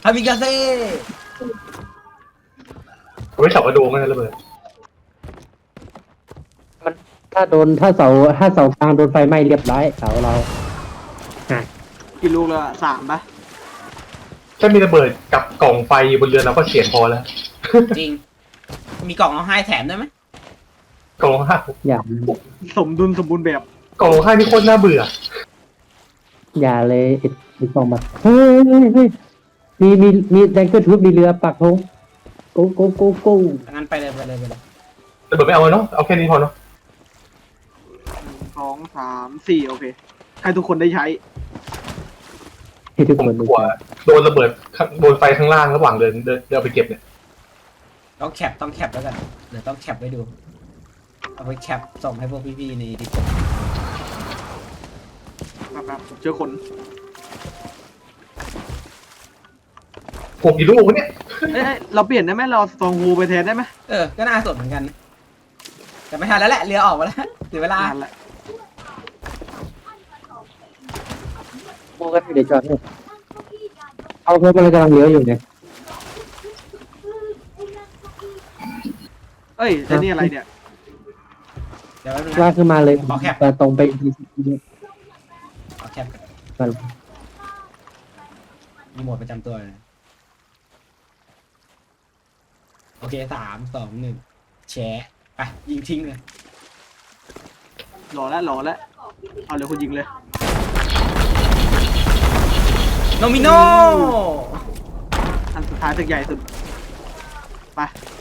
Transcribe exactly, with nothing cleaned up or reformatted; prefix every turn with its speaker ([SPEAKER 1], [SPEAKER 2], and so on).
[SPEAKER 1] ฮามิกาเซ่
[SPEAKER 2] ผมไม่เสากระโดงนะระเบิด
[SPEAKER 3] มันถ้าโดนถ้าเสาถ้าเสากลางโดนไฟไหม้เรียบร้อยเสาเราอ่ะ
[SPEAKER 4] กี่ลูกแล้วสามปะ
[SPEAKER 2] แค่มีระเบิดกับกล่องไฟบนเรือเราก็เสียพอแล้ว
[SPEAKER 1] จริง มีกล่องเอาให้แถมได้ไหม
[SPEAKER 2] กล่องห้า
[SPEAKER 3] อย่า
[SPEAKER 4] สมดุลสมบูรณ์แบบ
[SPEAKER 2] กล่องห้านี่โคตรน่าเบื่อ
[SPEAKER 3] อย่าเลยไอ้ไอ้กองมาเฮ้ยเฮ้ยเฮ้ยมีมีมีแดงเกอร์ทูบมีเรือปักธงโกโกโกโก
[SPEAKER 1] งั้นไปเลยไปเลยไปเลย
[SPEAKER 2] ระเบิดไม่เอาเนาะเอาแค่นี้พอเนาะ
[SPEAKER 4] สองสามสี่โอเคให้ทุกคนได้ใช้
[SPEAKER 3] ให้ทุก
[SPEAKER 2] ผม
[SPEAKER 3] คน
[SPEAKER 2] กลัวโดนระเบิดโดนไฟข้างล่างระหว่างเดินเดินเดินไปเก็บเนี่ย
[SPEAKER 1] ต้องแคปต้องแคปแล้วกันเดี๋ยวต้องแคปไว้ดูเอาไปแคปส่งให้พวกพี่ๆในดิส
[SPEAKER 4] นะครับผมเจอคน
[SPEAKER 2] ผมกี่ลูกวะเนี่ย
[SPEAKER 4] เอ้ยเราเปลี่ยนได้ไหมเราสตองฮูไปแทนได้ไหม
[SPEAKER 1] เออก็น่าสนเหมือนกันแต่ไม่ทันแล้วแหละเรือออกมาแล้วเสียเวลา
[SPEAKER 4] นั่นแหละ
[SPEAKER 3] โมกันเดี๋ยวจอดเนี่ยเอาเพราะมันกำลังเลี้ยวอยู่เนี่ย
[SPEAKER 4] เอ้ยแต่นี่อะไรเนี่ย
[SPEAKER 1] เดี๋ยวแป๊บนึง
[SPEAKER 3] ลาก
[SPEAKER 1] นะ
[SPEAKER 3] ขึ้นมาเลย
[SPEAKER 1] ขอแคป
[SPEAKER 3] ตรงไปอีกที
[SPEAKER 1] เอาแคปก่อน
[SPEAKER 3] มัน
[SPEAKER 1] มีโหมดประจำตัวเลยโอเคสามสองหนึ่งแชะไปยิงทิ้งเลย
[SPEAKER 4] รอแล้วรอแล้วเอาเลยคุณยิงเลย
[SPEAKER 1] โนมิโน
[SPEAKER 4] อันสุดท้ายตึกใหญ่สุดไป